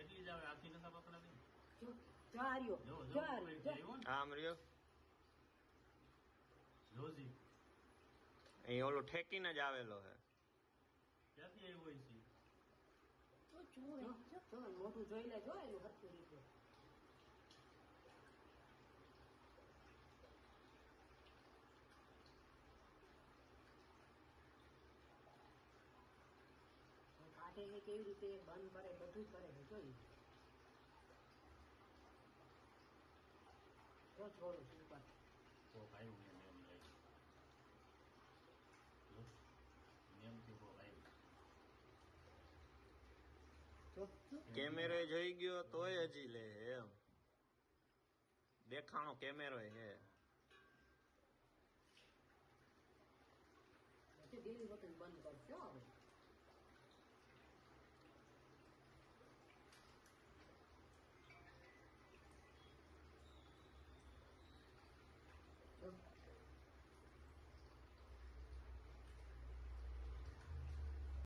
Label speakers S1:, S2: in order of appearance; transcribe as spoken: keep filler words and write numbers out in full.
S1: એટલી જ આવે, આથી નતા પકડાતી.
S2: જો જો આ રહ્યો,
S1: જો
S2: જો
S1: જો
S2: આ
S1: કોઈ
S2: રહ્યો, જો.
S1: આવ્યો ને
S3: આમ રહ્યો
S1: જોજી
S3: અહીં ઓલું ઠેકીને જ આવેલો હે.
S1: ક્યાંથી આવ્યો હોય છે?
S2: જો, જો, જો, મોઢું જોઈ લે, જો એનું હરખું રીતે. કાઢે છે કેવી રીતે બંધ કરે બધું જ કરે છે જોઈ. જો છોડું છું ઉપર.
S1: કોક આવ્યું ને એમ લાગે. જો નિયમથી કોક આવ્યું.
S2: જો, જો.
S3: કેમેરો જોઈ ગયો તોય હજી લે એમ દેખાણો કેમેરો હે.
S2: એટલે બે વખત બંધ કરશો હવે.